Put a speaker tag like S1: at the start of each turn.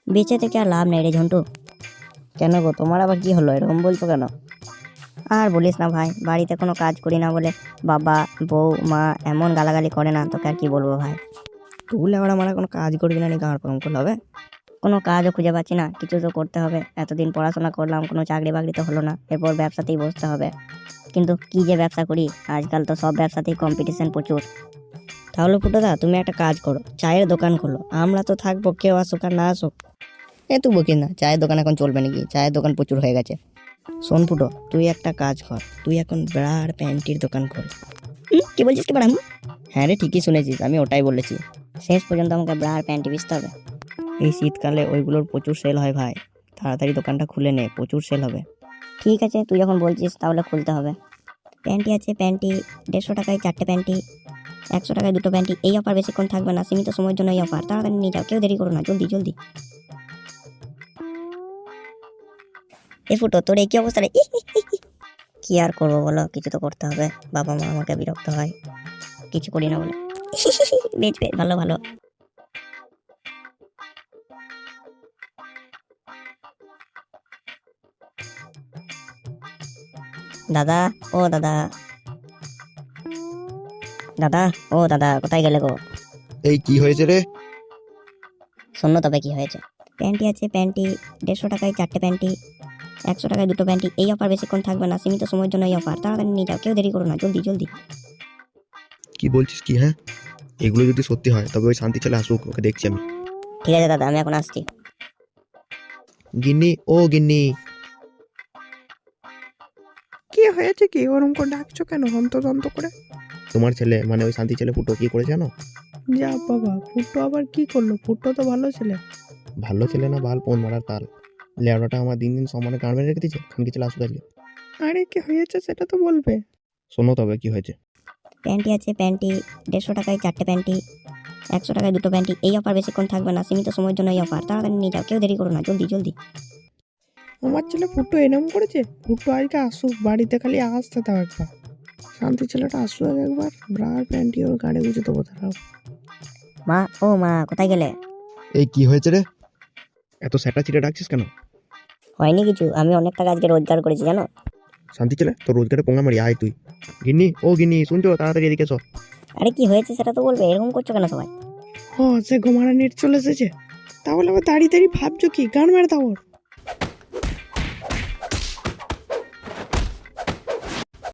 S1: বেঁচে থেকে আর লাভ নেই রে ঝন্টু।
S2: কেন গো, তোমার আবার কি হলো, এরকম বলছো কেন?
S1: আর বলিস না ভাই, বাড়িতে কোনো কাজ করি না বলে বাবা বউ মা এমন গালাগালি করে না, তোকে আর কি বলবো ভাই।
S2: তুলে আবার আমার কোনো কাজ করবি না, নি গাঁড় পাম করলে হবে?
S1: কোনো কাজও খুঁজে পাচ্ছি না, কিছু তো করতে হবে। এতদিন পড়াশোনা করলাম, কোনো চাকরি বাকরি তো হলো না, এরপর ব্যবসাতেই বসতে হবে। কিন্তু কি যে ব্যবসা করি, আজকাল তো সব ব্যবসাতেই কম্পিটিশন প্রচুর।
S2: তাহলে ফুটোদা তুমি একটা কাজ করো, চায়ের দোকান খোলো। আমরা তো থাকবো, কেউ আসুক আর না আসুক। তুই বকিস না, চায়ের দোকান এখন চলবে নাকি? চায়ের দোকান প্রচুর হয়ে গেছে। শোন ফুটো, তুই একটা কাজ কর, তুই এখন ব্রা আর প্যান্টির দোকান খোল।
S1: কি বলছিস কি বাড়াম?
S2: হ্যাঁ রে, ঠিকই শুনেছিস, আমি ওটাই বলেছি।
S1: শেষ পর্যন্ত আমাকে ব্রা আর প্যান্টি বেচতে হবে?
S2: এই শীতকালে ওইগুলোর প্রচুর সেল হয় ভাই, তাড়াতাড়ি দোকানটা খুলে নে, প্রচুর সেল হবে।
S1: ঠিক আছে, তুই যখন বলছিস তাহলে খুলতে হবে। প্যান্টি আছে, প্যান্টি 150 টাকায় 4টে প্যান্টি, 100 টাকায় 2টো প্যান্টি। এই অফার বেশিক্ষণ থাকবে না, সীমিত সময়ের জন্য এই অফার, তাড়াতাড়ি নিয়ে যাও, কেউ দেরি করো না, জলদি জলদি। এ ফুটো, তোর এই কি অবস্থা রে? কি আর করবো বলো, কিছু তো করতে হবে। বাবা মা আমাকে বিরক্ত হয় কিছু করি না বলে। বেশ বেশ, ভালো ভালো। দাদা, ও দাদা, দাদা, ও দাদা, কোথায় গেলে গো?
S3: এই কি হয়েছে রে?
S1: শূন্য তবে কি হয়েছে? প্যান্টি আছে, প্যান্টি 150 টাকায় 4টে প্যান্টি, 100 টাকায় 2টো প্যান্টি। এই অফার বেশিক্ষণ থাকবে না, সীমিত সময়ের জন্য এই অফার, তাড়াতাড়ি নিয়ে যাও, কেউ দেরি করো না, জলদি জলদি।
S3: কি বলছিস কি? হ্যাঁ, এগুলো যদি সত্যি হয় তবে ওই শান্তি ছেলে আসুক, ওকে দেখছি আমি।
S1: ঠিক আছে দাদা, আমি এখন আসছি।
S3: গিন্নি, ও গিন্নি।
S4: কি হয়েছে? কি ওরম করে ডাকছো কেন হন্তদন্ত করে?
S3: তোমার ছেলে মানে ওই শান্তি ছেলে ফুটো কি করেছে জানো?
S4: যা বাবা, ফুটো আবার কি করলো? ফুটো তো ভালো ছেলে।
S3: ভালো ছেলে না, বাল পোন মারার তাল। লেওড়াটা আমার দিন দিন সমানে গান মেরে রেখে দিচ্ছে। খানকি ছেলে আসুক আজকে।
S4: আরে কি হয়েছে সেটা তো বলবে।
S3: শোনো তবে কি হয়েছে।
S1: প্যান্টি আছে, প্যান্টি 150 টাকায় 4টে প্যান্টি, 100 টাকায় 2টো প্যান্টি। এই অফার বেশিক্ষণ থাকবে না, সীমিত সময়ের জন্য এই অফার, তাড়াতাড়ি নিয়ে যাও, কেউ দেরি করো না, জলদি জলদি।
S4: আমার ছেলে ফুটো এরম করেছে? ফুটো আজকে আসুক, বাড়িতে খালি আসতে দাও একবার। শান্তি ছেলেটা আসুক একবার, ব্রার প্যান্টি ওর গাড়ি গুঁজে দেবো তারাও।
S1: মা, ও মা, কোথায় গেলে?
S3: এই কি হয়েছে রে? এত স্যাটা চিটে ডাকছিস কেন?
S1: হয়নি কিছু, আমি অনেক টাকা আজকে রোজগার করেছি জানো।
S3: শান্তি ছেলে, তোর রোজগারে পোঙা মারি, আয় তুই। গিন্নি, ও গিন্নি, শুনছো? তাড়াতাড়ি এদিকে এসো।
S1: আরে কি হয়েছে সেটা তো বলবে, এরকম করছো কেন সবাই?
S4: সে ঘুমারা নেট চলে এসেছে। তাহলে আবার দাঁড়িয়ে দাঁড়িয়ে ভাবছো কি? গান মেরে দাও ওর।